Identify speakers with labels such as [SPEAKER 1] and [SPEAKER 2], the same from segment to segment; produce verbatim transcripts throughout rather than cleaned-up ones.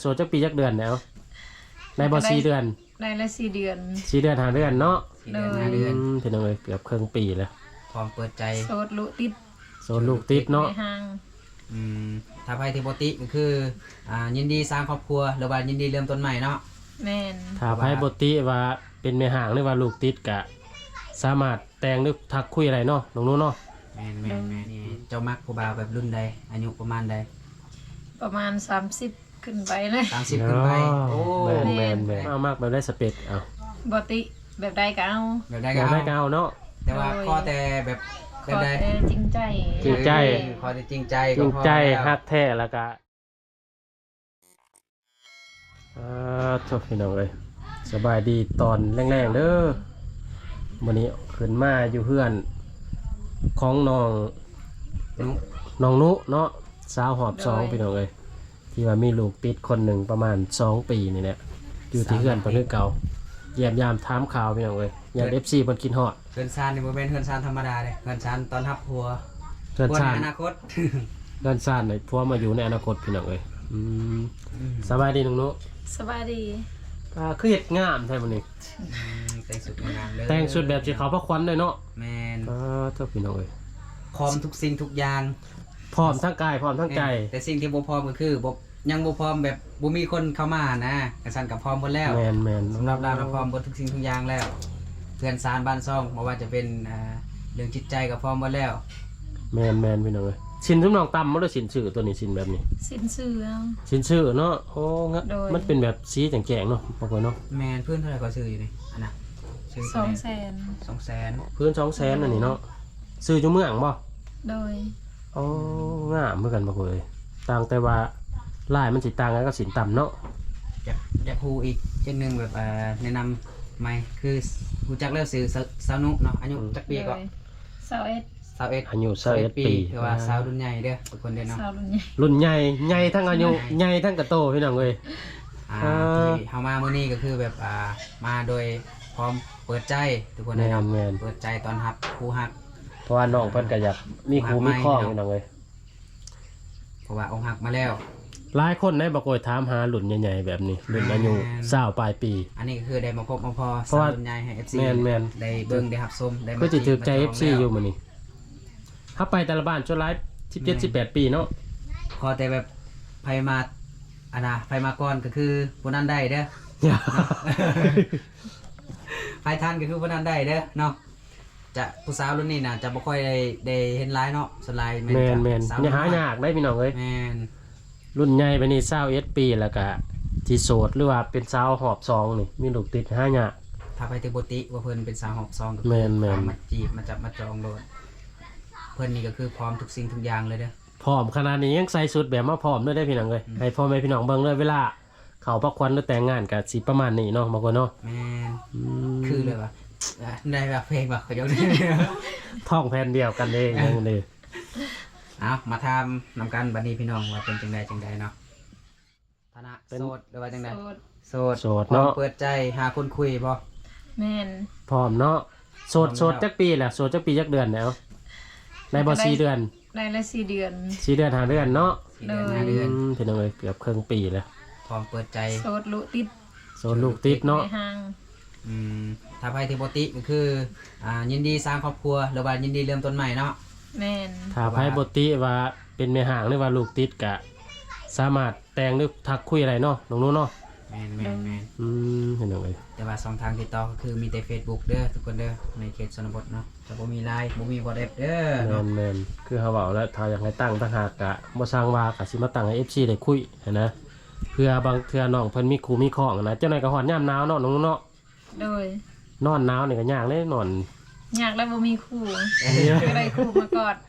[SPEAKER 1] ดจักปีจักเดือนแล้วในบ่สี่เดือน
[SPEAKER 2] ได้ละสี่เดือน
[SPEAKER 1] สี่เดือนห้าเดือนเนาะ
[SPEAKER 3] สี่เดือนห้าเดือน
[SPEAKER 1] พี่น้องเอ้ยเกือบครึ่งปีแล้ว
[SPEAKER 3] พร้อมเปิดใจ
[SPEAKER 2] โสดลูกติด
[SPEAKER 1] โสดลูกติดเนาะ
[SPEAKER 3] อืมถ้าไผที่บ่ติก็คืออ่ายินดีสร้างครอบครัวหรือว่ายินดีเริ่มต้นใหม่เนาะ
[SPEAKER 2] แม่น
[SPEAKER 1] ถ้าไผบ่ติว่าเป็นแม่ห่างหรือว่าลูกติดก็สามารถแต่งหรือทักคุยอะไรเนาะน้องนู้นเนาะ
[SPEAKER 3] แม่นแม่นแม่นนี่เจ้ามักผู้บ่าวแบบรุ่นใดอายุประมาณใด
[SPEAKER 2] ประมาณสามสิบขึ้นไปเลย
[SPEAKER 3] สามสิบขึ้นไปโอ้
[SPEAKER 1] แม่นแม่นแม่นเอามากแบบได้สเปคเอา
[SPEAKER 2] บ่ติแบบใดก็เอา
[SPEAKER 3] แบบใด
[SPEAKER 1] ก็เอาเนาะ
[SPEAKER 3] แต่ว่าขอแต่แบบแบบใด
[SPEAKER 2] จริงใจ
[SPEAKER 1] จริงใจ
[SPEAKER 3] ขอแต่จริงใจ
[SPEAKER 1] จริงใจฮักแท้แล้วก็อ่าจบพี่น้องเอ้ยสบายดีตอนแรงๆเด้อวันนี้ขึ้นมาอยู่เพื่อนของน้อง
[SPEAKER 3] นุ
[SPEAKER 1] น้องนุเนาะสาวหอบสองพี่น้องเอ้ยที่ว่ามีลูกติดคนหนึ่งประมาณสองปีนี่แหละอยู่ที่เพื่อนประเทศเก่าเยี่ยมยามถามข่าวพี่น้องเอ้ยอยากเอฟซีบนกินฮอด
[SPEAKER 3] เฮือนซานนี่บ่แม่นเฮือนซานธรรมดาเด้เฮือนซานตอนรับผัว
[SPEAKER 1] เฮือนซาน
[SPEAKER 3] อนาคต
[SPEAKER 1] เฮือนซานนี่ผัวมาอยู่ในอนาคตพี่น้องเอ้ยอืมสบายดีน้องนุ
[SPEAKER 2] สบายดี
[SPEAKER 1] อ่าคือเฮ็ดงามแท้มื้อนี้
[SPEAKER 3] แต่งสุดงามเลย
[SPEAKER 1] แต่งสุดแบบสิเขาพระควันเลยเนาะ
[SPEAKER 3] แม่น
[SPEAKER 1] อ่าเจ้าพี่น้องเอ้ย
[SPEAKER 3] พร้อมทุกสิ่งทุกอย่าง
[SPEAKER 1] พร้อมทั้งกายพร้อมทั้งใจ
[SPEAKER 3] แต่สิ่งที่บ่พร้อมก็คือบ่ยังบ่พร้อมแบบบ่มีคนเข้ามานะกระสันกับพร้อมหมดแล้ว
[SPEAKER 1] แม่นๆ
[SPEAKER 3] สำหรับเราเราพร้อมหมดทุกสิ่งทุกอย่างแล้วเพื่อนซานบ้านซ่องบ่ว่าจะเป็นอ่าเรื่องจิตใจก็พร้อมหมดแล้ว
[SPEAKER 1] แม่นๆพี่น้องเอ้ยสินซุมน้องตำบ่ได้สินชื่อตัวนี้สินแบบนี้
[SPEAKER 2] สินชื่อเอา
[SPEAKER 1] สินชื่อเนาะโอ้งั้นมันเป็นแบบสีแจ๋งๆเนาะบ่ค่อยเนาะ
[SPEAKER 3] แม่นเพิ่นเท่าไหร่ก็ซื้ออยู่นี่อันน่ะ
[SPEAKER 2] ซื้อสองแสน
[SPEAKER 3] สองแสน
[SPEAKER 1] เพิ่นสองแสนอันนี้เนาะซื้ออยู่เมืองบ่
[SPEAKER 2] โดย
[SPEAKER 1] อ๋องามเหมือนกันบ่เอ้ยต่างแต่ว่าลายมันสิต่างกันกับสินต่ำเนาะ
[SPEAKER 3] อยากอยากฮู้อีกเช่นนึงแบบอ่าแนะนำใหม่คือรู้จักแล้วซื้อสาวนุเนาะอายุจักปีก็
[SPEAKER 2] สาวเอ็ด
[SPEAKER 3] สาวเอ็ด
[SPEAKER 1] อายุสาวเอ็ดปี
[SPEAKER 3] คือว่าสาวรุ่นใหญ่เด้อทุกคนเด้อเนาะ
[SPEAKER 2] สาวรุ่นใหญ่
[SPEAKER 1] รุ่นใหญ่ใหญ่ทั้งอายุใหญ่ทั้งกระโตพี่น้องเอ้ย
[SPEAKER 3] อ่าที่เฮามามื้อนี้ก็คือแบบอ่ามาโดยพร้อมเปิดใจทุกคนได้เนาะเปิดใจตอนรับครูฮัก
[SPEAKER 1] เพราะว่าน้องเพิ่นก็อยากมีครูมีข้อพี่น้องเอ้ย
[SPEAKER 3] เพราะว่าองค์ฮักมาแล้ว
[SPEAKER 1] หลายคนได้บ่โกยถามหารุ่นใหญ่ๆแบบนี้รุ่นอายุยี่สิบปลายปี
[SPEAKER 3] อันนี้ก็คือได้มาพบมาพอสาวรุ่นใหญ่ให้ เอฟ ซี
[SPEAKER 1] แม่น
[SPEAKER 3] ๆได้เบิ่งได้รับชมได้
[SPEAKER 1] มาก็สิถูกใจ เอฟ ซี อยู่มื้อนี้ถ้าไปแต่ละบ้านจนหลายสิบเจ็ด สิบแปดปีเนาะ
[SPEAKER 3] ขอแต่แบบไผมาอันน่ะไผมาก่อนก็คือผู้นั้นได้เด้อไผทันก็คือผู้นั้นได้เด้อเนาะจะผู้สาวรุ่นนี้น่ะจะบ่ค่อยได้ได้เห็นหลายเนาะสไลด์
[SPEAKER 1] แม่นแม่นอย่าหายากได้พี่น้องเอ้ย
[SPEAKER 3] แม่น
[SPEAKER 1] รุ่นใหญ่ไปนี่ยี่สิบเอ็ดปีแล้วก็ที่โสดหรือว่าเป็นสาวหอบซองนี่มีลูกติดหายาก
[SPEAKER 3] ถ้าไปถึงบ่ติว่าเพิ่นเป็นสาวหอบซองก็
[SPEAKER 1] แม่นๆ
[SPEAKER 3] มาจีบมาจับมาจองโลดเพิ่นนี่ก็คือพร้อมทุกสิ่งทุกอย่างเลยเด้อ
[SPEAKER 1] พร้อมขนาดนี้ยังใส่ชุดแบบมาพร้อมด้วยได้พี่น้องเอ้ยให้พ่อแม่พี่น้องเบิ่งเลยเวลาเขาพักควันหรือแต่งงานก็สิประมาณนี้เนาะบางคนเนาะ
[SPEAKER 3] แม่นคือเลยว่าได้แบบเพลงแบบเขายก
[SPEAKER 1] ท่องแผ่นเดียวกันเองอย่างนี้
[SPEAKER 3] เอามาทำนำกันบัดนี้พี่น้องว่าเป็นจังใดจังใดเนาะฐานะโสดหรือว่าจังใดโสด
[SPEAKER 1] โสดเนาะ
[SPEAKER 3] เปิดใจหาคนคุยบ่
[SPEAKER 2] แม่น
[SPEAKER 1] พร้อมเนาะโสดโสดจักปีแหละโสดจักปีจักเดือนแล้วในบ่สี่เดือน
[SPEAKER 2] ได้ละสี่เดือน
[SPEAKER 1] สี่เดือนห้าเดือนเนาะ
[SPEAKER 3] สี่เดือนห้าเดือน
[SPEAKER 1] พี่น้องเอ้ยเกือบครึ่งปีแล้ว
[SPEAKER 3] พร้อมเปิดใจ
[SPEAKER 2] โสดลูกติด
[SPEAKER 1] โสดลูกติดเนาะ
[SPEAKER 3] อืมถ้าไผที่บ่ติก็คืออ่ายินดีสร้างครอบครัวหรือว่ายินดีเริ่มต้นใหม่เนาะ
[SPEAKER 2] แม่น
[SPEAKER 1] ถ้าไผบ่ติว่าเป็นแม่ห่างหรือว่าลูกติดก็สามารถแต่งหรือทักคุยอะไรเนาะน้องนู้นเนาะ
[SPEAKER 3] แม่นแม่นแม่น
[SPEAKER 1] อืมเห็นจังได๋
[SPEAKER 3] แต่ว่าช่องทางติดต่อก็คือมีแต่ Facebook เด้อทุกคนเด้อในเขตชนบทเนาะจะบ่มี ไลน์ บ่มี WhatsApp เด้อเนาะ
[SPEAKER 1] แม่นๆคือเฮาเว้าแล้วถ้าอยากให้ตั้งต่างหากก็บ่สร้างว่าก็สิมาตั้งให้ เอฟ ซี ได้คุยนะเพื่อบางเทื่อน้องเพิ่นมีครูมีข้องนะเจ้าไหนก็ฮอดยามหนาวเนาะน้องนู้นเนาะ
[SPEAKER 2] โดย
[SPEAKER 1] นอนหนาวนี่ก็ยากเลยนอน
[SPEAKER 2] ยากแล้วบ่มีคู่ก็ได้คู่มากอด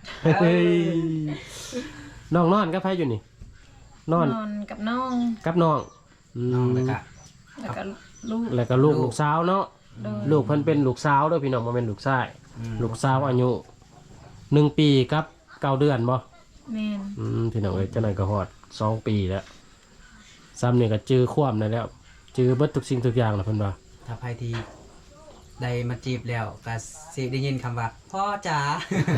[SPEAKER 1] น้องนอนกับไผอยู่นี่นอน
[SPEAKER 2] นอนกับน้อง
[SPEAKER 1] กับน้อง
[SPEAKER 3] น้องแล้วก็
[SPEAKER 2] แล้วก็ลูก
[SPEAKER 1] แล้วก็ลูกลูกสาวเนาะลูกเพิ่นเป็นลูกสาวเด้อพี่น้องบ่แม่นลูกชายลูกสาวอายุหนึ่งปีกับเก้าเดือนบ่
[SPEAKER 2] แม่น
[SPEAKER 1] อืมพี่น้องเอ้ยจังได๋ก็ฮอดสองปีแล้วซ้ำนี่ก็จื้อความได้แล้วจื้อเบิดทุกสิ่งทุกอย่างแล้วเพิ่นว่า
[SPEAKER 3] ถ้าไผที่ได้มาจีบแล้วก็สิได้ยินคำว่าพ่อจ๋า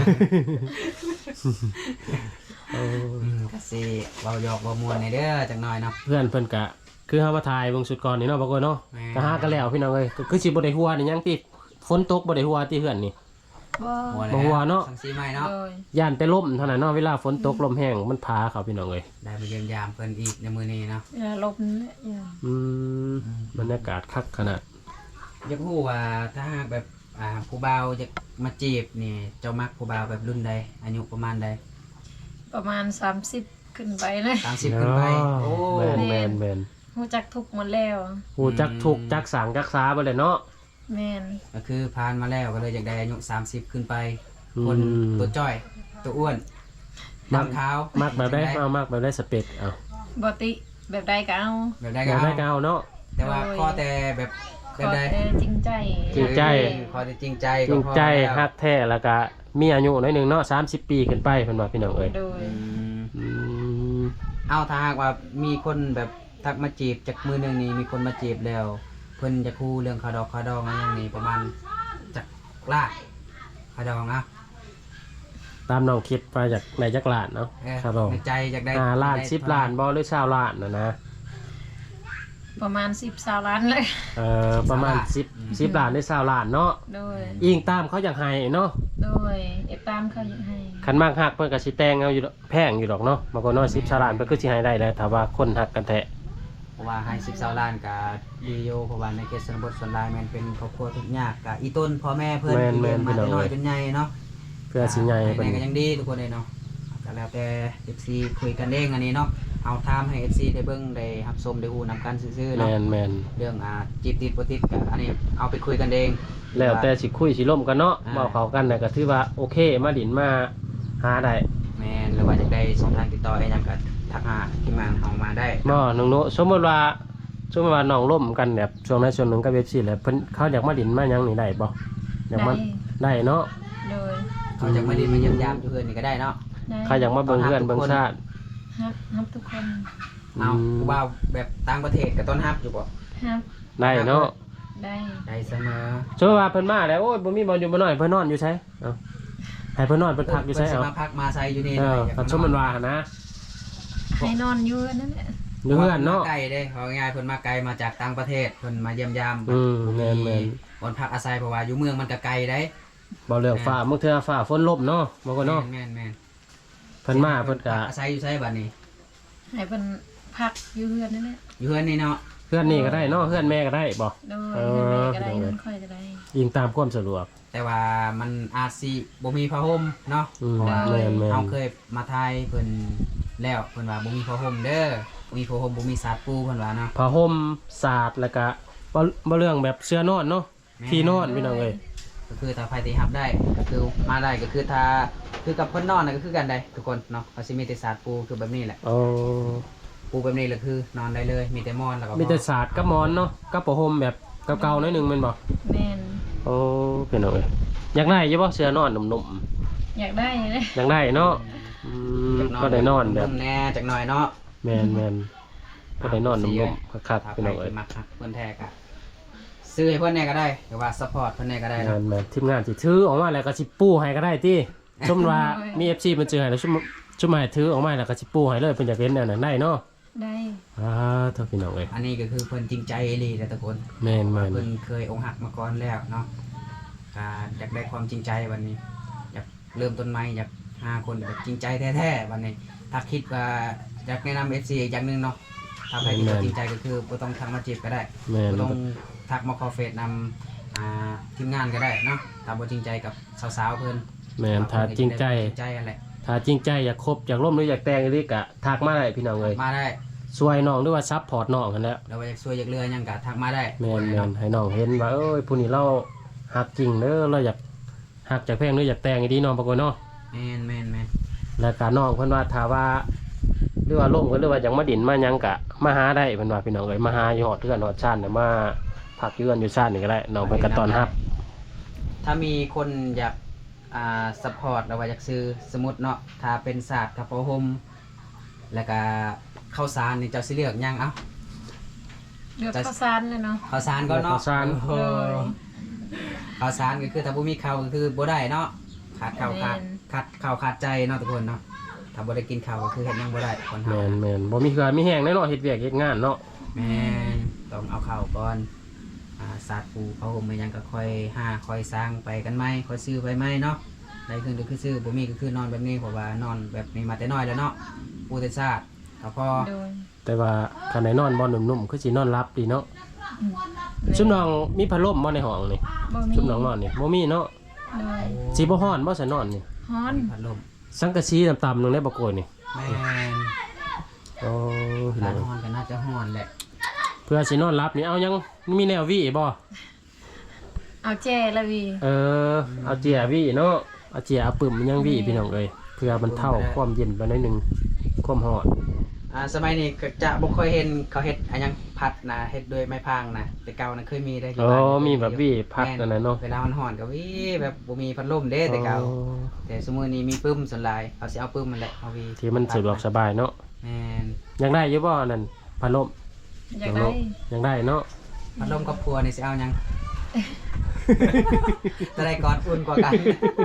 [SPEAKER 1] เออ
[SPEAKER 3] อืมก็สิเว้าหยอกเว้ามวนในเด้อจักหน่อยเนาะ
[SPEAKER 1] เพื่อนเพิ่นกะคือเฮามาถ่ายเบิ่งสุดก่อนนี่เนาะบ่กวนเนาะ
[SPEAKER 3] แม่
[SPEAKER 1] ก็หากันแล้วพี่น้องเอ้ยก็คือสิบ่ได้หัวนี่ยังติฝนตกบ่ได้หัวติเฮือนนี่
[SPEAKER 2] บ่
[SPEAKER 3] หัว
[SPEAKER 1] บ่หัวเนาะ
[SPEAKER 3] สังสีใหม่เนาะ
[SPEAKER 2] โดย
[SPEAKER 1] ย่านแต่ลมเท่านั้นเนาะเวลาฝนตกลมแห้งมันพาเขาพี่น้องเอ้ย
[SPEAKER 3] ได้มาเยี่ยมยามเพิ่นอีกในมื้อนี้เนาะ
[SPEAKER 2] อย่าลบนะอย่า
[SPEAKER 1] อืมบรรยากาศคักขนาด
[SPEAKER 3] อยากรู้ว่าถ้าหากแบบอ่าผู้บ่าวจะมาจีบนี่เจ้ามักผู้บ่าวแบบรุ่นใดอายุประมาณใด
[SPEAKER 2] ประมาณสามสิบขึ้นไปเลย
[SPEAKER 3] สามสิบขึ้นไปโอ้
[SPEAKER 1] แม่นแม่นแม่น
[SPEAKER 2] รู้จักทุกหมดแล้ว
[SPEAKER 1] ฮู้จักทุกข์จักสางจักษาบ่เลยเนาะ
[SPEAKER 2] แม่น
[SPEAKER 3] ก็คือผ่านมาแล้วก็เลยอยากได้อายุสามสิบขึ้นไป
[SPEAKER 1] อืม
[SPEAKER 3] คนตัวจ้อยตัวอ้วน
[SPEAKER 1] มัก
[SPEAKER 3] ดำขาว
[SPEAKER 1] มักแบบได้
[SPEAKER 3] จัง
[SPEAKER 1] เอามักแบบได้สเปคเอา
[SPEAKER 2] บ่ติแบบใดก็เอา
[SPEAKER 3] แบบได้
[SPEAKER 1] แบ
[SPEAKER 3] ก็
[SPEAKER 1] บได้ก็
[SPEAKER 3] เอา
[SPEAKER 1] เอาเนาะ
[SPEAKER 3] แต่ว่า
[SPEAKER 2] โดย
[SPEAKER 3] ข้อแต่แบบ
[SPEAKER 2] ข
[SPEAKER 3] แบบ
[SPEAKER 2] อ
[SPEAKER 3] ใด
[SPEAKER 2] แต่จริงใจ
[SPEAKER 1] จริงใจ
[SPEAKER 3] ข้อแต่จริงใจ
[SPEAKER 1] จริง
[SPEAKER 3] ก็พอ
[SPEAKER 1] ใจ
[SPEAKER 3] แล้ว
[SPEAKER 1] ฮักแท้แล้วก็มีอายุหน่อยหนึงเนาะสามสิบปีขึ้นไปเพิ่นว่าพี่น้องเอ้ย
[SPEAKER 2] โดย
[SPEAKER 3] อืม
[SPEAKER 1] อืม
[SPEAKER 3] เอาถ้าหากว่ามีคนแบบทักมาจีบจากมือหนึ่งนี้มีคนมาจีบแล้ว เพิ่นจะคู่เรื่องคาดอกคาดองอะไรอย่างนี้ประมาณจากลาดคาดองอ่ะ
[SPEAKER 1] ตามน้องคิดไปจากในจักรลานเนาะ
[SPEAKER 3] เออ
[SPEAKER 1] ครับผม
[SPEAKER 3] ในใจจากได้
[SPEAKER 1] ห้าล้าน
[SPEAKER 3] ได้
[SPEAKER 1] สิบล้านบ่หรือชาวล้านนะนะ
[SPEAKER 2] ประมาณสิบสาวล้านเลย
[SPEAKER 1] เอ่อประมาณสิบสิบล้านหรือชาวล้านเนาะ
[SPEAKER 2] โดย
[SPEAKER 1] อิงตามเขาอยากให้เนาะ
[SPEAKER 2] โดยเอฟตามเขายังให้
[SPEAKER 1] คันมากฮักเพิ่นก็สิแต่งเอาอยู่ดอกแพงอยู่ดอกเนาะบางคนน้อยสิบชาวล้านเพิ่นก็สิให้ได้แหล้วถ้าว่าคนฮักกันแท้
[SPEAKER 3] เพราะว่าให้สิบสาวล้านกับดีโยเพราะว่าในเขตชนบทส่วนหลายแมันเป็นครอบครัวทุกข์ยากกับอีต้นพ่อแม่เพิ่น
[SPEAKER 1] แม่น
[SPEAKER 3] ที่
[SPEAKER 1] แม่
[SPEAKER 3] เลี้ย
[SPEAKER 1] น
[SPEAKER 3] งมา
[SPEAKER 1] พี่น้อง
[SPEAKER 3] แต่น้อยจนใหญ่เนาะ
[SPEAKER 1] เพื่อสิใหญ่
[SPEAKER 3] ให้
[SPEAKER 1] เพิ่น
[SPEAKER 3] ไหนก็ยังดีทุกคนเลยเนาะก็แล้วแต่ เอฟ ซี คุยกันเองอันนี้เนาะเอาทามให้ เอฟ ซี ได้เบิ่งได้รับชมได้ฮู้นำกันซื่อๆ
[SPEAKER 1] แม่
[SPEAKER 3] เนาะ
[SPEAKER 1] นแม่น
[SPEAKER 3] เรื่องอ่าจีบติดบ่ติดก็อันนี้เอาไปคุยกันเอง
[SPEAKER 1] แล้วแต่สิคุยสิล่มกันเนาะ
[SPEAKER 3] อ่า
[SPEAKER 1] เว้าเข้ากันน่ะก็ถือว่าโอเคมาดินมาหาได้
[SPEAKER 3] แม่นหรือว่าอยากได้ช่องทางติดต่ออะไรหยังก็ทักหาทีมงานเฮามาได้
[SPEAKER 1] บ่น้องโนสมมุติว่าสมมุติว่าน้องล่มกันแบบช่วงใดช่วงหนึงกับ เอฟ ซี แล้วเพิ่นเขาอยากมาดินมาหยังนี่ได้บ่อยากมา
[SPEAKER 2] ได้
[SPEAKER 1] ได้เนาะ
[SPEAKER 2] โดย
[SPEAKER 3] เขาจะมาดินมาเยี่ยมยามอยู่เฮือนนี่ก็ได้เนาะ
[SPEAKER 2] ได้
[SPEAKER 1] ใครอยากมาเบิ่งเพื่อนเบิ่งชาติ
[SPEAKER 2] ฮับฮับทุกคน
[SPEAKER 3] เอา
[SPEAKER 1] อืม
[SPEAKER 3] ผู้บ่าวแบบต่างประเทศก็ต้อนรับอยู่บ่
[SPEAKER 2] ฮับ
[SPEAKER 1] ได้เนาะ
[SPEAKER 2] ได้
[SPEAKER 3] ได้เสมอ
[SPEAKER 1] สมมุติว่าเพิ่นมาแล้วโอ้ยบ่มีบ่อยู่บ่น้อยเพิ่นนอนอยู่ไสเอ้าให้เพิ่นนอนเพิ่นพักอยู่ไส
[SPEAKER 3] เพิ่นสิ
[SPEAKER 1] เอา
[SPEAKER 3] มาพักมาไซอยู่นี่
[SPEAKER 1] เอ
[SPEAKER 3] หน่
[SPEAKER 1] อ
[SPEAKER 3] อยอยาก
[SPEAKER 1] ถ้าสมมุติว่าหั่นนะ
[SPEAKER 2] ให้นอนอยู่นั่นแหละ
[SPEAKER 1] อยู่เพื่อนเนาะ
[SPEAKER 3] ไกลเด้เขาง่ายๆเพิ่นมาไกลมาจากต่างประเทศเพิ่นมาเยี่ยมยาม
[SPEAKER 1] อืมแม่นแม่น
[SPEAKER 3] บนพักอาศัยเพราะว่าอยู่เมืองมันก็ไกลได้
[SPEAKER 1] บ่เรื่องฟ้าบางเทื่อฟ้าฝนลบเนาะบ่ก็เนาะ
[SPEAKER 3] แม่นแม่น
[SPEAKER 1] เพิ่นมาเพิ่นก็
[SPEAKER 3] พัอาศัยอยู่ไสบัดนี้
[SPEAKER 2] ให้เป็นพักอยู่เพื่อนนั่นแหละ
[SPEAKER 3] อยู่เฮือนนี่เนาะ
[SPEAKER 1] เพื่อนนี่ก็ได้เนาะเพื่อนแม่ก็ได้บ่
[SPEAKER 2] โดย
[SPEAKER 1] เอ
[SPEAKER 2] เพื่อน
[SPEAKER 1] อ
[SPEAKER 2] แม่ก็ได้เพื่อนค่อยก็ได้
[SPEAKER 1] ยิงตามความสะดวก
[SPEAKER 3] แต่ว่ามันอาจสิบ่มีผ้าห่มเนาะ
[SPEAKER 1] อืม
[SPEAKER 3] เพราะว่า
[SPEAKER 1] แม่นแม่น
[SPEAKER 3] เฮาเคยมาทายเพิ่นแล้วเพิ่นว่าบ่มีผ้าห่มเด้อบ่มีผ้าห่มบ่มีสาดปูเพิ่นว่าเนาะ
[SPEAKER 1] ผ้าห่มสาดแล้วก็บ่บ่เรื่องแบบเสื้อนอนเนาะ
[SPEAKER 3] แม่
[SPEAKER 1] ที่นอนพี่น้องเอ้ย
[SPEAKER 3] ก็คือถ้าไผที่รับได้ก็คือมาได้ก็คือถ้าคือกับเพิ่นนอนน่ะก็คือกันได้ทุกคนเนาะเขาสิมีแต่สาดปูคือแบบนี้แหละ
[SPEAKER 1] โอ้
[SPEAKER 3] ปูแบบนี้แหละคือนอนได้เลยมีแต่หมอนแล้วก็
[SPEAKER 1] มีแต่สาดกับหมอนเนาะกับผ้าห่มแบบเก่าๆหน่อยหนึงแม่นบ่
[SPEAKER 2] แม่น
[SPEAKER 1] โอ้พี่น้องเอ้ยอยากได้อยู่บ่เสื้อนอนนุ่ม
[SPEAKER 2] อยากได้เลย
[SPEAKER 1] ๆอยากได้เนาะอืมก็ได้นอนแบบ
[SPEAKER 3] แน่จักหน่อยเนาะ
[SPEAKER 1] แม่นแม่นก็ได้นอนนุ่มๆคักๆพี่น้องเอ้ย
[SPEAKER 3] มักคักเพิ่นแท้กะซื้อให้เพิ่นแน่ก็ได้หรือว่าซัพพอร์ตเพิ่นแน่ก็ได้
[SPEAKER 1] แม่
[SPEAKER 3] เนาะ
[SPEAKER 1] นแม่นทีมงานสิถือออกมาแล้วก็สิปูให้ก็ได้ติสมมุติว่ามี เอฟ ซี มันเจอให้แล้วชุมชุมให้ถือออกมาแล้วก็สิปูให้เลยเพิ่นอยากเห็นแนวนั้นได้เนาะ
[SPEAKER 2] ได้
[SPEAKER 1] อ่าเท่าพี่น้องเอ้ย
[SPEAKER 3] อันนี้ก็คือเพิ่นจริงใจอีหลีแต่ทุกคน
[SPEAKER 1] แม่นแม่น
[SPEAKER 3] เพิ่นเคยอกหักมาก่อนแล้วเนาะก็อยากได้ความจริงใจวันนี้ อยากเริ่มต้นใหม่อยากหาคนแบบจริงใจแท้ๆวันนี้ ถ้าคิดว่าอยากแนะนำ เอฟ ซี อีกอย่างหนึงเนาะถ้าใครที่จริงใจก็คือบ่ต้องทักมาจีบก็ได้
[SPEAKER 1] แม่น
[SPEAKER 3] บ่ต้องทักมาคอเฟซนำอ่าทีมงานก็ได้เนาะถ้าบ่จริงใจกับสาวๆเพิ่น
[SPEAKER 1] แม่นถ้าจริงใจ
[SPEAKER 3] จริงใจอะไร
[SPEAKER 1] ถ้าจริงใจอยากคบอยากร่วมหรืออยากแต่งอีกก็ทักมาได้พี่น้องเอ้ย
[SPEAKER 3] มาได้
[SPEAKER 1] ช่วยน้องหรือว่าซัพพอร์ตน้องกันแหล้ว
[SPEAKER 3] เราอยากช่วยอยากเรือหยังก็ทักมาได้
[SPEAKER 1] แม่นแม่นให้น้องเห็นว่าเอ้ยผู้นี้เราฮักจริงเด้อเราอยากฮักจากแพงหรืออยากแต่งอีดีน้องปรากฏเนาะ
[SPEAKER 3] แม่นแม่นแม่น
[SPEAKER 1] แล้วก็น้องเพิ่นว่าถ้าว่าหรือว่าล่มกันหรือว่าอยากมาดินมาหยังก็มาหาได้เพิ่นว่าพี่น้องเอ้ยมาหาอยู่ฮอดเทือนฮอดชาติน่ะมาพักอยู่เรือนอยู่ชาตินี่ก็ได้น้องเพิ่นก็ต้อนรับ
[SPEAKER 3] ถ้ามีคนอยากอ่าซัพพอร์ตเราว่าอยากซื้อสมมุติเนาะถ้าเป็นศาสตร์กับผ้าห่มแล้วก็ข้าวสารนี่เจ้าสิเลือกหยังเอ้า
[SPEAKER 2] เลือกข้าวสารเลยเนาะ
[SPEAKER 3] ข้าวสารก่อนเนาะ
[SPEAKER 1] ข้าวสาร
[SPEAKER 3] โอ้โห
[SPEAKER 2] เลย
[SPEAKER 3] ข้าวสารก็คือถ้าบ่มีข้าวก็คือบ่ได้เนาะขาดข้าวขาดขาดข้าวขาดใจเนาะทุกคนเนาะถ้าบ่ได้กินข้าวก็คือเฮ็ดหยังบ่ได้คน
[SPEAKER 1] แม
[SPEAKER 3] เฮาน
[SPEAKER 1] แมนบ่มีเหือมีแห้งแน่นอนเฮ็ดเวียกเฮ็ดงานเนาะ
[SPEAKER 3] แม่นต้องเอาข้าวก่อนอ่าสาดปูเขาห่มมาหยังก็ค่อยหาค่อยสร้างไปกันใหม่ค่อยซื้อไปใหม่เนาะได้คืนก็คือซื้อบ่มีก็คือนอนแบบนี้เพราะว่านอนแบบนี้มาแต่น้อยแล้วเนาะปูแต่ซาดก็พอ
[SPEAKER 2] โดย
[SPEAKER 1] แต่ว่าคันไหนนอนบ่นุ่มๆคือสินอนหลับดีเนาะ
[SPEAKER 2] อืม
[SPEAKER 1] ซุมน้องมีพัดลมบ่ในห้องนี่
[SPEAKER 2] บ่มี
[SPEAKER 1] ซุมน้องนอนนี่บ่มีเนาะ
[SPEAKER 2] โดย
[SPEAKER 1] สิบ่ฮ้อนบ่ซะนอนนี่
[SPEAKER 2] ฮ้อน
[SPEAKER 3] พัดลม
[SPEAKER 1] สังกะสีต่ำๆนึงได้บ่โกยนี่
[SPEAKER 3] แม่น
[SPEAKER 1] โอ้พี่
[SPEAKER 3] ร้า
[SPEAKER 1] น้อน ง
[SPEAKER 3] ฮอนก็น่าจะฮอนแหละ
[SPEAKER 1] เพื่อสินอนหลับนี่เอายังมีแนววี่บ่
[SPEAKER 2] เอาแจละวี
[SPEAKER 1] เออเอาเจียวี่เนาะเอาเจียเอาปึ้มยังวี่พี่น้องเอ้ยเพื่อมันเท่าความเย็นไปหน่อยหนึงความร้อน
[SPEAKER 3] อ่าสมัยนี้ก็จะบ่ค่อยเห็นเขาเฮ็ดอันหยังพัดนะเฮ็ดด้วยไม้พางนะแต่เก่านะเคยมีได้อยู่
[SPEAKER 1] อ๋อ
[SPEAKER 3] บ้าน
[SPEAKER 1] มีแบบวี่พัดนั่นน่ะเนาะ
[SPEAKER 3] เวลามันฮ้อนก็วิแบบบ่มีพัดลมเด้แต่เก่า
[SPEAKER 1] อ๋อ
[SPEAKER 3] แต่สมมุตินี้มีปึ้มส่วนหลายเอาสิเอาปึ้มมันแหละเอาวี
[SPEAKER 1] ที่มันสะดวกสบายเนาะ
[SPEAKER 3] แม่น
[SPEAKER 1] ยังได้อยู่บ่นั่นพัดลม
[SPEAKER 2] อยากได้
[SPEAKER 1] ยังได้เนาะ
[SPEAKER 3] พัดลมกับพัวนี่สิเอาหยังจะได้กอดอุ่นกว่ากัน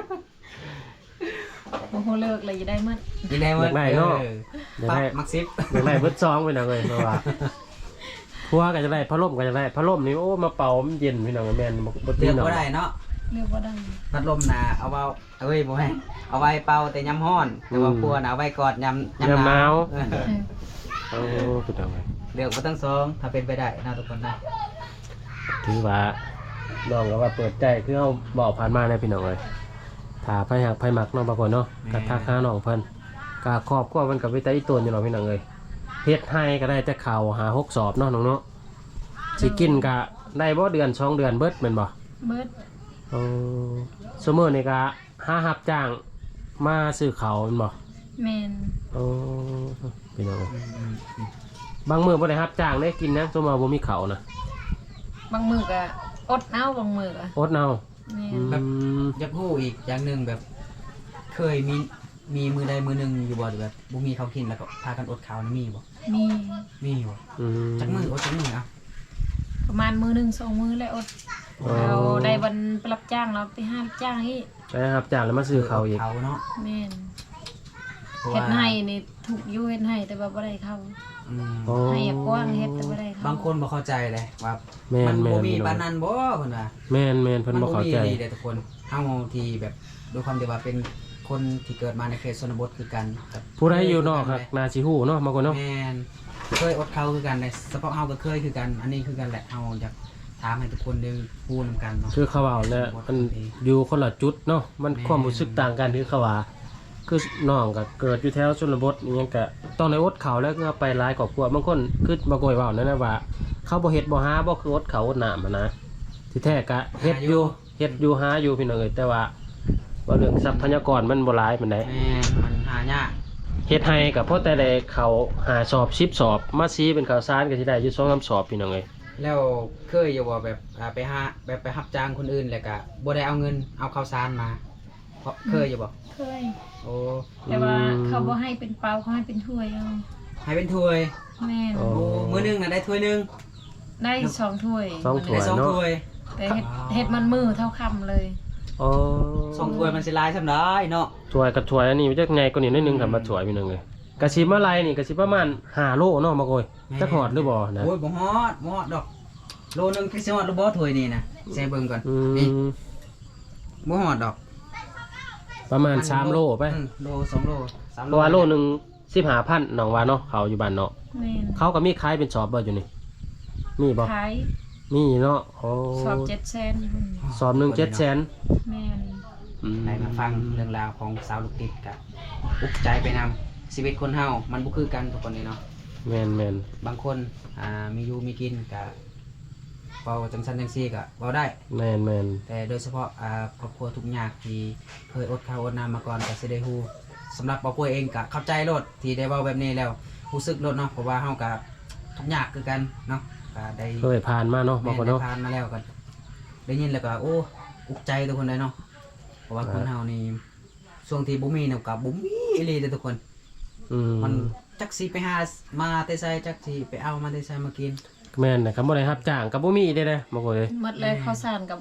[SPEAKER 2] บ่ฮู้เลิกเลยจะได้หมด
[SPEAKER 3] กินได้หมด
[SPEAKER 1] อยากได้เนาะ
[SPEAKER 3] ออ
[SPEAKER 1] ยัง
[SPEAKER 3] ปั๊บ
[SPEAKER 1] ได้
[SPEAKER 3] มักซิป
[SPEAKER 1] ยังได้เบิดซองไปหน่อยเลยเพราะว่าพัวก็จะได้พัดลมก็จะได้พัดลมนี่โอ้มาเป่ามันเย็นพี่น้องแม่นบ่บ่
[SPEAKER 3] เลื
[SPEAKER 1] ตี
[SPEAKER 3] อก
[SPEAKER 1] เนาะ
[SPEAKER 3] บ่ได้เนาะ
[SPEAKER 2] เลือกบ่ได้
[SPEAKER 3] พัดลมน่ะเอาเว้าเอ้ยบ่ให้เอาไว้เป่าแต่ยามร้อน แต่ว่าพัวน่ะเอาไว้กอดยาม
[SPEAKER 1] ยามหนาว
[SPEAKER 3] เออ
[SPEAKER 2] เออ
[SPEAKER 1] โอ้พี่น้องเอ้ย
[SPEAKER 3] เลือกบ่ทั้งสองถ้าเป็นไปได้นะทุกคนนะ
[SPEAKER 1] ถือว่าน้องก็ว่าเปิดใจคือเฮาบอกผ่านมาเลยพี่น้องเอ้ยถ้าไผหักไผมักเนาะบางคนเนาะก็ทักหาน้องเพิ่นก็ครอบครัวมันก็ไปแต่อีตนอยู่เนาะพี่น้องเอ้ยเฮ็ดให้ก็ได้แต่ข้าวหาหกสอบเนาะน้องเนาะสิกินก็ได้บ่เดือนสองเดือนเบิดแม่นบ่
[SPEAKER 2] เบิด
[SPEAKER 1] เออซุมื้อนี่ก็หารับจ้างมาซื้อข้าวแม่นบ่
[SPEAKER 2] แม่น
[SPEAKER 1] โอ้พี่น้องเอ้ย
[SPEAKER 3] อืมอืมอืม
[SPEAKER 1] บางมื้อบ่ได้รับจ้างได้กินนะซุมื้อบ่มีข้าวนะ
[SPEAKER 2] บางมื้อก็อดเอาบางมื้อก็
[SPEAKER 1] อดเอา
[SPEAKER 2] แม่น
[SPEAKER 1] อืม
[SPEAKER 3] อยากรู้อีกอย่างหนึงแบบ เคยมีมีมือใดมือหนึงอยู่บ่หรือแบบบ่มีเขาวกินแล้วก็พากันอดข้าวนี่มีบ่
[SPEAKER 2] มี
[SPEAKER 3] มีบ่
[SPEAKER 1] อืม
[SPEAKER 3] จักมืออดจักมืออ่ะ
[SPEAKER 2] ประมาณมื้อหนึงสองมื้อแล้วอด
[SPEAKER 1] อ๋อ
[SPEAKER 2] เราได้วันไปรับจ้างเราไปหารับจ้างอีก
[SPEAKER 1] ได้รับจ้างแล้วมาซื้อข้าวอีก
[SPEAKER 3] เขาเนาะ
[SPEAKER 2] แม่น
[SPEAKER 3] เพราะ
[SPEAKER 2] เฮ็
[SPEAKER 3] ว่า
[SPEAKER 2] ดให้นี่ถูกอยู่เฮ็ดให้แต่ว่าบ่ได้เข้า
[SPEAKER 3] อืม
[SPEAKER 1] โอ้
[SPEAKER 2] ให้อยากกว้างเฮ็ดแต่บ่ได้เข้า
[SPEAKER 3] บางคนบ่เข้าใจเลยว่า
[SPEAKER 1] แม่
[SPEAKER 3] มัน น
[SPEAKER 1] แม่
[SPEAKER 3] บ่
[SPEAKER 1] น
[SPEAKER 3] มี
[SPEAKER 1] พี่น้
[SPEAKER 3] ปา
[SPEAKER 1] อน ง
[SPEAKER 3] นั้นบ่เพิ่นว่า
[SPEAKER 1] แม่นแม่นเพิ่นบ่เข้าใจ
[SPEAKER 3] ดีเด้อทุกคนเฮาที่แบบด้วยความที่ว่าเป็นคนที่เกิดมาในเขตชนบทคือกันกับ
[SPEAKER 1] ผู้ใดอยู่นอกครับนาสิฮู้เนาะบางคนเนาะ
[SPEAKER 3] แม่นเคยอดเขาคือกันในเฉพาะเฮาก็เคยคือกัน อันนี้คือกันแหละเฮาอยากถามให้ทุกคนได้พูดนำกันเนาะ
[SPEAKER 1] คือเขาเว้าเนี่ยมันอยู่คนละจุดเนาะมันความรู้สึกต่างกันคือเขาว่าคือน้องก็เกิดอยู่แถวชนบทอิหยังก็ต้องได้อดข้าวแล้วก็ไปหลายครอบครัวบางคนคือบ่กอยเว้านั่นนะว่า เขาบ่เฮ็ดบ่หาบ่คืออดข้าวอดน้ำอะนะที่แท้ก็เฮ็ดอยู่เฮ็ดอยู่หาอยู่พี่น้องเอ้ยแต่ว่าว่าเรื่องทรัพยากรมันบ่หลายปานใด
[SPEAKER 3] แม่นมันหายาก
[SPEAKER 1] เฮ็ดให้กับพ่อแต่ได้เขาหาสอบสิบสอบมาซีเป็นข้าวสารก็สิได้อยู่สองสามสอบพี่น้องเอ้ย
[SPEAKER 3] แล้วเคยอยู่ว่าแบบอ่าไปหาแบบไปรับจ้างคนอื่นแล้วก็บ่ได้เอาเงินเอาข้าวสารมาเพราะเคยอยู่บ่
[SPEAKER 2] เคย
[SPEAKER 3] โอ้
[SPEAKER 2] แต่ว่าเขาบ่ให้เป็นเปล่าเขาให้เป็นถ้วยเอา
[SPEAKER 3] ให้เป็นถ้วย
[SPEAKER 2] แม่น
[SPEAKER 1] โอ้
[SPEAKER 3] โอ้มื้อหนึงน่ะได้ถ้วยหนึง
[SPEAKER 2] ได้สองถ้วย
[SPEAKER 1] สองถ้ว
[SPEAKER 3] ได้
[SPEAKER 1] ย
[SPEAKER 3] สองถ้วย
[SPEAKER 2] แต่เฮ็ดเฮ็ดมันมือเท่าคำเลย
[SPEAKER 1] อ๋อ
[SPEAKER 3] สองถ้วยมันสิหลายซำได้เนาะ
[SPEAKER 1] ถ้วยกับถ้วยอันนี้มันจะไงกว่านี้นิดนึงครับมาถ้วยพี่น้องเอ้ยกะสิมาลายนี่กะสิประมาณห้าโลเนาะมาโกยจักฮอดหรือบ่นะ
[SPEAKER 3] โอ้ยบ่ฮอดบ่ฮอดดอกโลนึงคือสิฮอดหรือบ่ถ้วยนี่นะใส่เบิ่งก่อน
[SPEAKER 1] อื
[SPEAKER 3] นี่
[SPEAKER 1] ม
[SPEAKER 3] บ่ฮอดดอก
[SPEAKER 1] ประมาณสามโลไป
[SPEAKER 3] อืมโลสองโลสาม
[SPEAKER 1] เพ
[SPEAKER 3] โล
[SPEAKER 1] ราะว่าโลหนึงสิบห้าพันน้องว่าเนาะเขาอยู่บ้านเนาะ
[SPEAKER 2] แม่น
[SPEAKER 1] เขาก็มีขายเป็นสอบบ่อยู่นี่มีบ่
[SPEAKER 2] ขาย
[SPEAKER 1] มีเนาะโอ้
[SPEAKER 2] สอบเจ็ดแสนพุ่น
[SPEAKER 1] สอบหนึงเจ็ดแสน
[SPEAKER 2] แม่น
[SPEAKER 1] อืม
[SPEAKER 3] ได้มาฟังเรื่องราวของสาวลูกติดกับอุกใจไปนำชีวิตคนเฮามันบ่คือกันทุกคนนี่เนาะ
[SPEAKER 1] แม่นแม่น
[SPEAKER 3] บางคนอ่ามีอยู่มีกินก็เว้าจังซั่นจังซี่ก็เว้าได้
[SPEAKER 1] แม่นแม่น
[SPEAKER 3] แต่โดยเฉพาะอ่าครอบครัวทุกข์ยากที่เคยอดข้าวอดน้ำมาก่อนก็สิได้ฮู้สำหรับบ่ป่วยเองก็เข้าใจโลดที่ได้เว้าแบบนี้แล้วรู้สึกโลดเนาะเพราะว่าเฮาก็ทุกข์ยากคือกันเนาะก็ได้
[SPEAKER 1] เคยผ่านมาเนาะบางคนเนาะ
[SPEAKER 3] แม่ได้ผ่านมาแล้วก็ได้ยินแล้วก็โอ้อุกใจทุกคนเลยเนาะเพราะว่าคนเฮานี่ช่วงที่บ่มีเนี่ยก็บ่มีอีหลีเด้อทุกคน
[SPEAKER 1] อืม
[SPEAKER 3] มันจักสิไปหามาแต่ไสจักสิไปเอามาแต่ไสมากิน
[SPEAKER 1] แม่นนะครับบ่ได้รับจ้างกับบ่มีเด้เด้บ่ก็เลย
[SPEAKER 2] หมดเลยข้าวสารกับ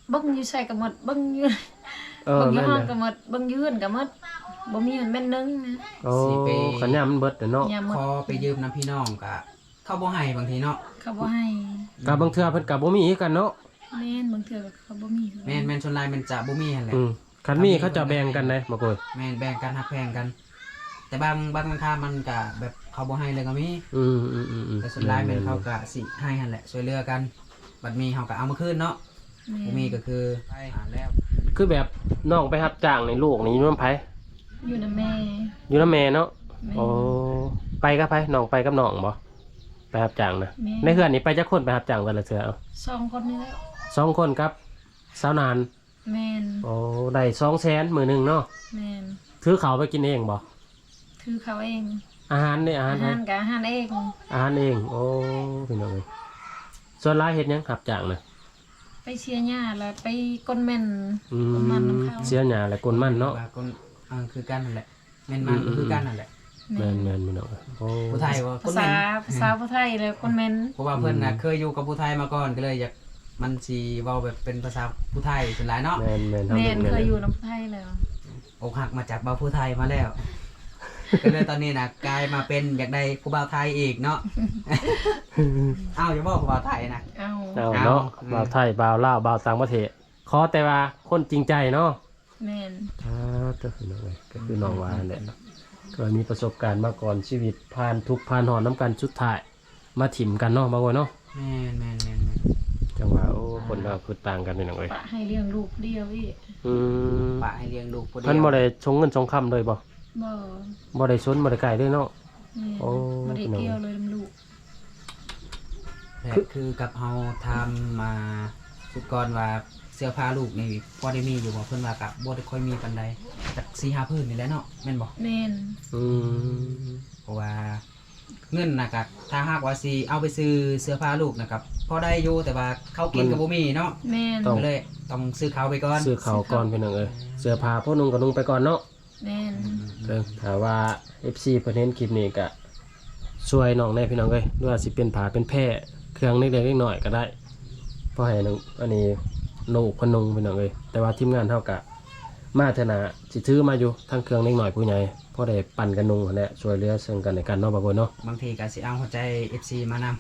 [SPEAKER 2] เบิ่งอยู่ใส่ก็หมดเบิ่งอยู่
[SPEAKER 1] เออ
[SPEAKER 2] เบิ่งอยู่
[SPEAKER 1] แม่น
[SPEAKER 2] ห้อง
[SPEAKER 1] นะ
[SPEAKER 2] ก็หมดเบิ่งอยู่เฮือนก็หมดบ่มีมันแม่นนึงนะ
[SPEAKER 1] โอ้ขันยามมันเบิดเด้อเนาะ
[SPEAKER 2] ยามหมด
[SPEAKER 3] พอไปยืมน้ำพี่น้องก็เข้าบ่ให้บางทีเนาะ
[SPEAKER 2] เขาบ่ให้
[SPEAKER 1] กับบางเทื่อเพิ่นก็บ่มีคือกันเนาะ
[SPEAKER 2] แม่นบางเทื่อเขาบ่มี
[SPEAKER 3] แม่นแม่นชนลายมันจะบ่มีหั่นแหละ
[SPEAKER 1] อืมคันมีเขาจะแบ่งกันได้บ่โกย
[SPEAKER 3] แม่นแบ่งกันหักแพงกัน แต่บางบางค่ามันก็แบบเขาบ่ให้เลยก็มี
[SPEAKER 1] อืมอืมอืมอืม
[SPEAKER 3] แต่ส่วนหลายแม่นเขาก็สิให้หั่นแหละช่วยเหลือกันบัดมีเฮาก็เอามาคืนเนาะ
[SPEAKER 2] แม่
[SPEAKER 3] บ่มีก็คือไปหาแล้ว
[SPEAKER 1] คือแบบน้องไปรับจ้างในลูกนี่อยู่นำไผ
[SPEAKER 2] อยู่นำแม่
[SPEAKER 1] อยู่นำแม่เนาะ
[SPEAKER 2] แม่
[SPEAKER 1] โอ้ไปกับไผน้องไปกับน้องบ่ไปรับจ้างนะ
[SPEAKER 2] แม่
[SPEAKER 1] ในเฮือนนี่ไปจักคนไปรับจ้างแต่ละเทื่อเอา
[SPEAKER 2] สองคนนี่แหละ
[SPEAKER 1] สองคนครับสาวนาน
[SPEAKER 2] แม่น
[SPEAKER 1] โอ้ได้สองแสนมื้อหนึงเนาะ
[SPEAKER 2] แม่น
[SPEAKER 1] ถือเขาวไปกินเองบ่
[SPEAKER 2] ถือเขาเอง
[SPEAKER 1] อาหารนี่อาหา
[SPEAKER 2] อาร
[SPEAKER 1] ไผ
[SPEAKER 2] หารก็อาหารเอง
[SPEAKER 1] อาหารเองโอ้พี่น้องเอ้ยส่วนหลายเฮ็ดหยังรับจ้างน่ะ
[SPEAKER 2] ไปเชียร์หญ้าแล้วไปก้นแม่น
[SPEAKER 1] อื
[SPEAKER 2] ก้นมันน้ำ
[SPEAKER 1] ม
[SPEAKER 2] เขา
[SPEAKER 1] เสียหญ้าและกลมันเนาะ
[SPEAKER 3] ว่าคนเออคือกันนั่นแหละแม่นมันก็คือกันนั่นแหละ
[SPEAKER 1] แม่นแม่นพี่น้องเอ้ยโอ้
[SPEAKER 3] ผู้ไทยว่าค
[SPEAKER 2] ภาน
[SPEAKER 3] แม่
[SPEAKER 2] ษาน ภาษาผู้ไทยเลยก้นแม่น
[SPEAKER 3] เพราะว่าเพิ่นน่ะเคยอยู่กับผู้ไทยมาก่อนก็เลยอยากมันสิเว้าแบบเป็นภาษาผู้ไทยส่วนหลายเนาะ
[SPEAKER 1] แม่นแม่น
[SPEAKER 2] แม่น
[SPEAKER 1] ทำ
[SPEAKER 2] เค
[SPEAKER 1] แม่
[SPEAKER 2] ย
[SPEAKER 1] น
[SPEAKER 2] อยู่น้ำไทยแล้ว
[SPEAKER 3] อกหักมาจากบ่าวผู้ไทยมาแล้ว ก็เลยตอนนี้น่ะกลายมาเป็นอยากได้ผู้บ่าวไทยอีกเนาะ อ้าวอย่าบอกผู้บ่าวไทยนะ
[SPEAKER 2] เอา
[SPEAKER 1] เอาเนาะ
[SPEAKER 3] เอา
[SPEAKER 1] บ่าวไทยบ่าวลาวบ่าวต่างประเทศขอแต่ว่าคนจริงใจเนาะ
[SPEAKER 2] แม่น
[SPEAKER 1] อ่าก็คือน้องเอ้ยก็คือน้องวานั่นแหละเคยมีประสบการณ์มาก่อนชีวิตผ่านทุกข์ผ่านหอนน้ำกันสุดท้ายมาถิ่มกันเนาะบางคนเนาะ
[SPEAKER 3] แม่นแม่นแม่นแม่น
[SPEAKER 1] จังหวะโอ้คนเราคือต่างกันนี่น้องเอ้ย
[SPEAKER 2] ปะให้เลี้ยงลูกเดียวอีก
[SPEAKER 1] อืม
[SPEAKER 3] ปะให้เลี้ยงลูกผู้เดียว
[SPEAKER 1] เพิ่นบ่ได้ชงเงินชงคำเลยบ่
[SPEAKER 2] บ่
[SPEAKER 1] บ่ได้ชนบ่ได้ไก่เลยเนาะ
[SPEAKER 2] แม่น
[SPEAKER 1] โอ้
[SPEAKER 2] บ่ได้เกี่ยวเลยน้ำลูก
[SPEAKER 3] และคือกับเฮาทำมาสุดก่อนว่าเสื้อผ้าลูกนี่พอได้มีอยู่บ่เพิ่นว่าก็บ่ได้ค่อยมีปานใดจัก สี่ห้า พื้นนี่แหละเนาะแม่นบ่
[SPEAKER 2] แม่น
[SPEAKER 1] อืม
[SPEAKER 3] เพราะว่าเงินน่ะก็ถ้าหากว่าสิเอาไปซื้อเสื้อผ้าลูกนะครับพอได้อยู่แต่ว่าเขากินก็บ่มีเนาะ
[SPEAKER 2] แม่น
[SPEAKER 3] ก็เลยต้องซื้อเขาวไปก่อน
[SPEAKER 1] ซื้อเขาวก่อนพี่น้องเอ้ยเสื้อผ้าพวกนุ่งก็นุ่งไปก่อนเนาะ
[SPEAKER 2] แม่น
[SPEAKER 1] เด้อถ้าว่า เอฟ ซี เพิ่นเห็นคลิปนี้ก็ช่วยน้องแน่พี่น้องเอ้ยหรือว่าสิเป็นผ้าเป็นแพร่เครื่องเล็กๆน้อยๆก็ได้เพราะให้น้องอันนี้ลูกเพิ่นนุ่งพี่น้องเอ้ยแต่ว่าทีมงานเฮาก็มาเถอะนะสิถือมาอยู่ทั้งเครื่องเล็กน้อยผู้ใหญ่พอได้ปั่นกันนุ่งนั่นแหละช่วยเหลือซึ่งกันและกันเนาะบ่าวเนาะ
[SPEAKER 3] บางทีก็สิเอาหัวใจ เอฟ ซี มานำ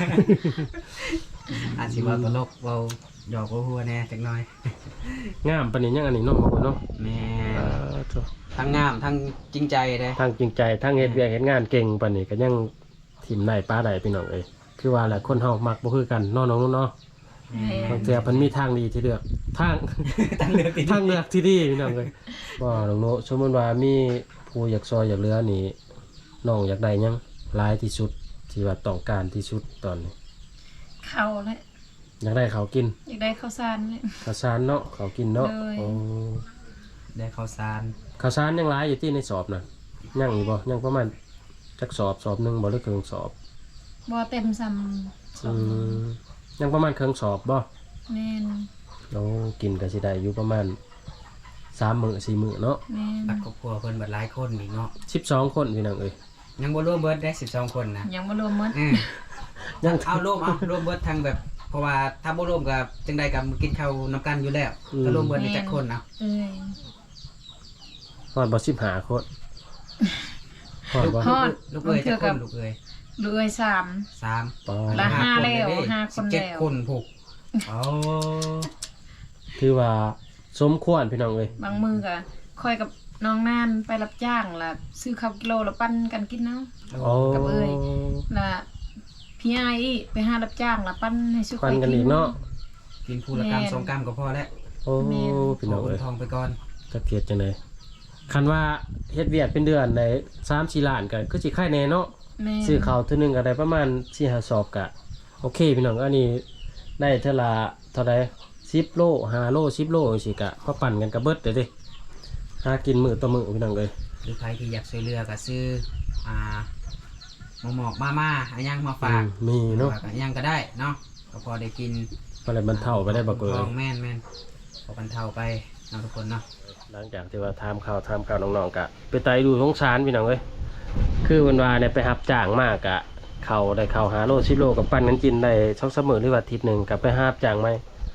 [SPEAKER 3] อาจสิเว้าตลกเว้าหยอกเว้าหัวแหน่จักหน่อย
[SPEAKER 1] งามปานนี้ยังอันนี้เนาะบ่าวเนาะ
[SPEAKER 3] แม่
[SPEAKER 1] เออโถ่
[SPEAKER 3] ทั้งงามทั้งจริงใจเด้
[SPEAKER 1] ทั้งจริงใจทั้งเฮ็ดเวียกเฮ็ดงานเก่งปานนี้ก็ยังทิ่มได้ป้าได้พี่น้องเอ้ยคือว่าแหละคนเฮามักบ่คือกันเนาะน้องๆเนาะ
[SPEAKER 2] แม่
[SPEAKER 1] บางเทื่อเพิ่นมีทางดีที่เลือกทาง
[SPEAKER 3] ตั้งเลือกที่
[SPEAKER 1] ทางเลือกที่ดีพี่น้องเอ้ยบ่น้องโนสมมุติว่ามีผู้อยากซอยอยากเหลือนี่น้องอยากได้หยังหลายที่สุดที่ว่าต้องการที่สุดตอนนี้
[SPEAKER 2] เขาแหละ
[SPEAKER 1] อยากได้เขาวกิน
[SPEAKER 2] อยากได้ข้าวสารเนี่ย
[SPEAKER 1] ข้าวสารเนาะเขาวกินเนาะ
[SPEAKER 2] เลย
[SPEAKER 1] โอ้
[SPEAKER 3] ได้ข้าวสาร
[SPEAKER 1] ข้าวสารยังหลายอยู่ที่ในสอบน่ะยังอีกบ่ยังประมาณจักสอบสอบหนึงบ่หรือครึ่งสอบ
[SPEAKER 2] บ่เต็มซ้ำสอ
[SPEAKER 1] อื
[SPEAKER 2] ง
[SPEAKER 1] มยังประมาณครึ่งสอบบ่
[SPEAKER 2] แม่น
[SPEAKER 1] เรากินก็สิได้อยู่ประมาณสามมื้อสี่มื้อเนาะ
[SPEAKER 2] แม่น
[SPEAKER 3] ตักครอบครัวเพิ่นเบิดหลายคนอีกเนาะ
[SPEAKER 1] สิบสองคนพี่น้องเอ้ย
[SPEAKER 3] ยังบ่รวมเบิดได้สิบสองคนนะ
[SPEAKER 2] ยังบ่รวมหมด
[SPEAKER 3] อืม
[SPEAKER 1] ยัง
[SPEAKER 3] เอารวมเอารวมเบิดทางแบบ เพราะว่าถ้าบ่รวมก็จังได๋ก็กินข้าวนํกันอยู่แล้วก็รวมเบิดได้จักคนนะ
[SPEAKER 2] เอ้ย
[SPEAKER 1] ฮอดบ่สิบห้าคนฮอดบ่
[SPEAKER 2] ฮอด
[SPEAKER 3] ลูกเอ้ย
[SPEAKER 2] เทื่
[SPEAKER 3] จั
[SPEAKER 2] อก
[SPEAKER 3] ค
[SPEAKER 2] กับ
[SPEAKER 3] นลูกเอ้ย
[SPEAKER 2] เหลือสาม
[SPEAKER 3] สาม
[SPEAKER 1] ปอ
[SPEAKER 2] ละห้าแล้วห้าคน
[SPEAKER 3] สิบเจ็ด
[SPEAKER 2] แล้ว
[SPEAKER 3] คนผูกโอ้
[SPEAKER 1] ถือว่าสมควรพี่น้องเอ้ย
[SPEAKER 2] บางมือก็คอยกับน้องนานไปรับจ้างล่ะซื้อข้าวกิโลแล้วปั้นกันกินเนาะ
[SPEAKER 1] โอ้
[SPEAKER 2] กับเอ้ย ล่ะพี่ไอ้อีไปหารับจ้างล่ะปั้นให้ซื้อ
[SPEAKER 1] ควันกันอีกเนาะ
[SPEAKER 3] กินผู้ละกรรม
[SPEAKER 2] แม่น
[SPEAKER 3] สองกรรมก็พอแล้ว
[SPEAKER 1] โอ้พี่น้อง
[SPEAKER 3] ขอ
[SPEAKER 1] เอ้ย
[SPEAKER 3] ทองไปก่อน
[SPEAKER 1] จักเทียดจังได๋คันว่าเฮ็ดเวียดเป็นเดือนได้สามสี่ล้านก็คือสิค่ายแน่เนาะ
[SPEAKER 2] แม่
[SPEAKER 1] ซื้อข้าวเทื่อนึงก็ได้ประมาณสี่ห้าสอบก็โอเคพี่น้องอันนี้ได้เท่าละเท่าใดสิบโลห้าโลสิบโลจังซี่ก็พอปั่นกันก็เบิดเด้อเด้หากินมื้อต่อมื้อพี่น้องเอ้ย
[SPEAKER 3] หรือใครที่อยากช่วยเหลือก็ซื้ออ่าหมอกหมอกมาม่าอันยังมาฝาก
[SPEAKER 1] อืมมีเนาะ
[SPEAKER 3] ฝกอันยังก็ได้เนาะก็พอได้กิน
[SPEAKER 1] พอได้บรรเทาไปได้บ่เกิ
[SPEAKER 3] ท
[SPEAKER 1] น
[SPEAKER 3] องแม่นแม่นพอบรรเทาไปเนาะทุกคนเนาะ
[SPEAKER 1] หลังจากที่ว่าทำข่าวทำข่าวน้องๆกะไปไต่ดูสงสารพี่น้องเอ้ยคือวันวาเนี่ยไปหับจ้างมากกะเขาได้เขาหาโลชิโลกับปั้นกันกินได้ช่องเสมอหรือว่าอาทิตย์หนึ่งกับไปหับจ้างไหม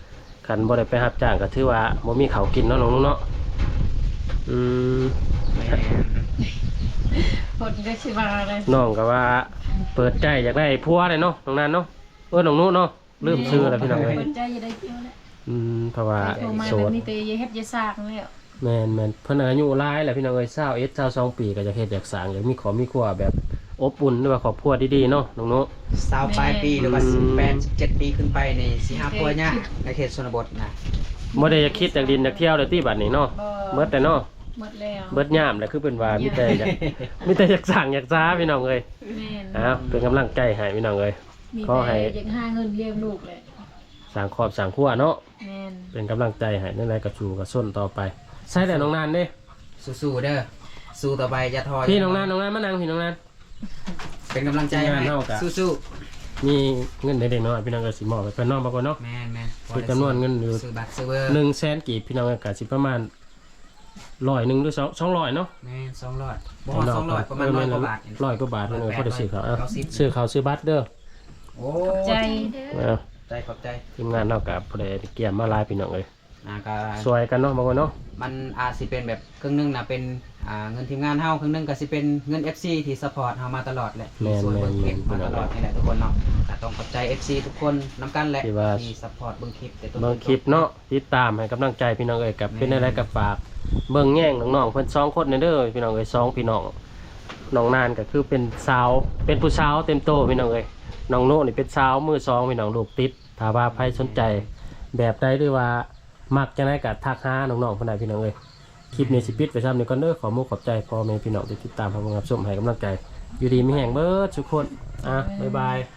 [SPEAKER 1] คันบ่ได้ไปรับจ้างก็ถือว่าบ่มีข้าวกินเนาะน้องนุ๊กเนาะอืม
[SPEAKER 3] แม่น
[SPEAKER 2] คนก็สิว่าอะไร
[SPEAKER 1] น้องก็ว่าเปิดใจอยากได้ผัวเลยเนาะน้องนั้นเนาะเออน้องนุ๊กเนาะลืมชื่อแล้วพี่น้องเอ้ย
[SPEAKER 2] เปิดใจอย่าได้เที่ยวแล้ว
[SPEAKER 1] อืมเพราะว่า
[SPEAKER 2] โทรมา
[SPEAKER 1] โส
[SPEAKER 2] แล้ว
[SPEAKER 1] ด
[SPEAKER 2] มีแต่อย่าเฮ็ดอย่าสร้างแล้ว
[SPEAKER 1] แม่นแม่นเพิ่นอายุหลายแล้วพี่น้องเอ้ยยี่สิบเอ็ด ยี่สิบสองปีก็จะเฮ็ดอยากสร้างอยากมีครอบมีครัวแบบอบอุ่นหรือว่าครอบครัวดีๆเนาะน้องนุ๊ก
[SPEAKER 3] สาวปลายปีหรือว่า
[SPEAKER 1] อืม
[SPEAKER 3] สิบแปด สิบเจ็ดปีขึ้นไปในสิหาปัวเนี่ยในเขตชนบทนะ
[SPEAKER 1] บ่ได้อยากคิดอยากดินอยากเที่ยวเลยที่บัดนี้เนาะ
[SPEAKER 2] บ่
[SPEAKER 1] เบิดแต่เนาะ
[SPEAKER 2] หมดแล้ว
[SPEAKER 1] เบิดยามแหละคือเป็นว่ามีแต่อยาก มีแต่อยากสั่งอยากจ้าพี่น้องเอ้ย
[SPEAKER 2] แม่น
[SPEAKER 1] อ้าวเป็นกำลังใจให้พี่น้องเอ้ย
[SPEAKER 2] มี
[SPEAKER 1] ขอให้
[SPEAKER 2] แต่ยังหาเงินเลี้ยงลูกเลย
[SPEAKER 1] สร้างครอบสร้างครัวเนาะ
[SPEAKER 2] แม่น
[SPEAKER 1] เป็นกำลังใจให้นั่นแหละกับชูกับส้นต่อไปใช่แต่น้องนานเด้
[SPEAKER 3] สู้ๆเด้อสู้ต่อไปอย่าท้อ
[SPEAKER 1] พี่น้องนานน้องนานมานั่งพี่น้องนาน
[SPEAKER 3] เป็นกำลังใจให้
[SPEAKER 1] งานเท่ากับ
[SPEAKER 3] สู้
[SPEAKER 1] มีเงินเด็กๆน้อยพี่น้องก็สิมอบไปเพิ่นน้องบางคนเนาะ
[SPEAKER 3] ๆแม่นแม่น
[SPEAKER 1] คือจำนวนเงินอยู่
[SPEAKER 3] ซื้อบัตรซื้อเบอร์
[SPEAKER 1] หนึ่งแสนกีบพี่น้องก็สิประมาณร้อยหนึ่งหรือสองสองร้อยเนาะ
[SPEAKER 3] แม่นสองร้อยบ่ฮอดสองร้อยประมาณร้อยกว่าบาท
[SPEAKER 1] ร้อยกว่าบาทพี่น้องพอได้ซื้อเขาวเอา
[SPEAKER 3] เก้าสิบ
[SPEAKER 1] ซื้อเขาวซื้อบัตรเด้อ
[SPEAKER 3] โอ้
[SPEAKER 2] ใจ
[SPEAKER 1] เอา
[SPEAKER 3] ใจขอบใจ
[SPEAKER 1] ทีมงานเท่ากับพอได้เกี่ยมมาหลายพี่น้องเลย
[SPEAKER 3] นะก็
[SPEAKER 1] สวยกันเนาะบางคนเนาะ
[SPEAKER 3] มันอาจสิเป็นแบบครึ่งหนึงนะเป็นอ่าเงินทีมงานเฮาครึ่งหนึงก็สิเป็นเงิน เอฟ ซี ที่ซัพพอร์ตเฮามาตลอดแหละที่ช่วยเบิ่งคลิปมาตลอดนี่แหละทุกคนเนาะก็ต้องขอบใจ เอฟ ซี ทุกคนนํกันแหละที่ซัพพอร์ตเบิ่งคลิปแต่ต้น
[SPEAKER 1] เบิ่งคลิปเนาะติดตามให้กำลังใจพี่น้องเอ้ยกับเป็นอะไรกับฝากเบิ่งแย่งน้องๆเพิ่นสองคนนี่เด้อพี่น้องเอ้ยสองพี่น้องน้องนานก็คือเป็นสาวเป็นผู้สาวเต็มโตพี่น้องเอ้ยน้องโน่นี่เป็นสาวมือสองพี่น้องลูกติดถ้าว่าใครสนใจแบบใดหรือว่ามักจังได๋ก็ทักหาน้องๆเพิ่นได้พี่น้องเอ้ยคลิปนี้สิปิดไปซ้ำนี่ก่อนเด้อขอมุกขอบใจพ่อแม่พี่น้องที่ติดตามรับชมให้กำลังใจอยู่ดีมีแห่งเบิดทุกคนอ่ะบ๊ายบาย